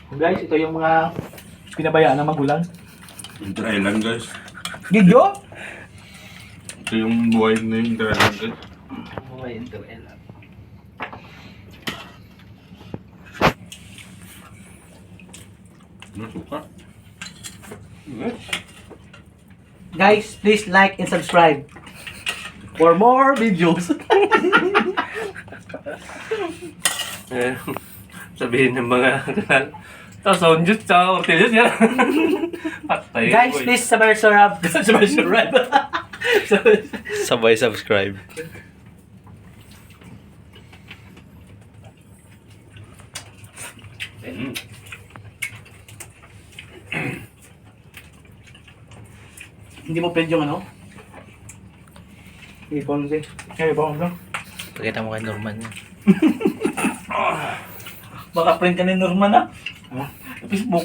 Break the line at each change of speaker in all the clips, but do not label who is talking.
Guys, ito yung mga pinabayaan ng magulang.
Inter Island guys.
Gidyo?
Ito yung buhay na yung Inter Island guys.
Buhay Inter Island.
Suka.
Guys, please like and subscribe for more videos.
Sabihin ng mga kanal. Tapos sound juice, tsaka ortilis yan. Patay.
Guys,
boy.
please subscribe. Subscribe.
Sabay subscribe.
Mm.
Hindi mo pwede yung ano? Ipon si. Kaya ba ako?
Pakita mo kay Norman yan.
Baka print ka ni Norman ah. Facebook.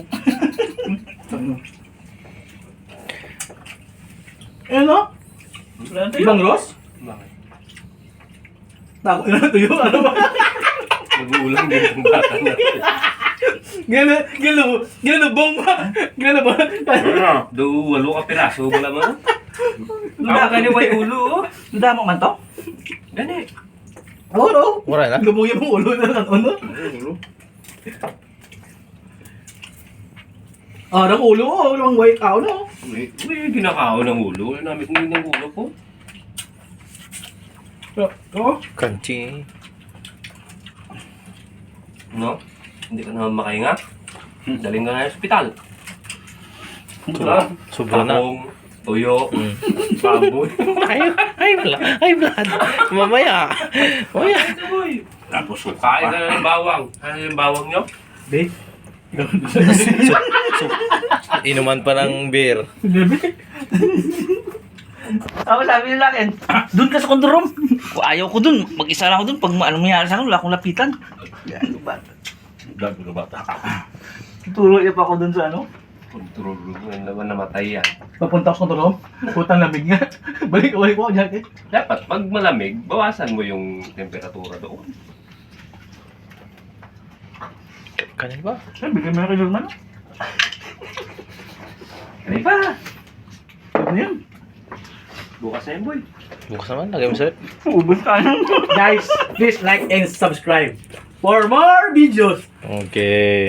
Ano? Ibang Ross?
Bakit?
Tako na tuyo. Ano ba?
Mag-uulang din ang bata na.
Gano bong ba? Gano ba?
Do, walo ka piraso mo naman. Ako ka ni way ulo, oh.
Nada mo man to?
Gani.
Oo, no?
Mura na?
Lumuya mong ulo na lang, ano? Ah, ng ulo, oh. Ang white cow, no?
May ginakao ng ulo. Namit mo ng ulo ko.
Oh.
Crunchy.
No? Hindi ka naman makahinga. Daling ka nga sa ospital.
Sobra na.
Takong, tuyo, baboy.
Ay, blood. Mamaya. Mamaya.
Tapos suka
Kain ka
pa.
na ng bawang. Ano yung bawang nyo?
Babe.
Inuman pa ng beer.
Ako sabi nila akin, doon ka sa condo room. Ayaw ko doon. Mag-isa lang ako doon. Pag anong mangyari sa akin, wala akong lapitan. Yan, ba?
Dami ka bata.
Turo niya pa ako doon sa ano.
Control room. Yan naman namatay yan.
Papunta ako sa condo room. Putang lamig nga. Balik ko ako jacket.
Dapat, pag malamig, bawasan mo yung temperatura doon.
Kanin ba?
Ay, bigyan mo na kay Norman.
Ano pa?
Ano yan?
Bukas na yun, boy.
Bukas naman. Lagay mo sa'yo.
Ubus tayo. Guys, please like and subscribe for more videos.
Okay.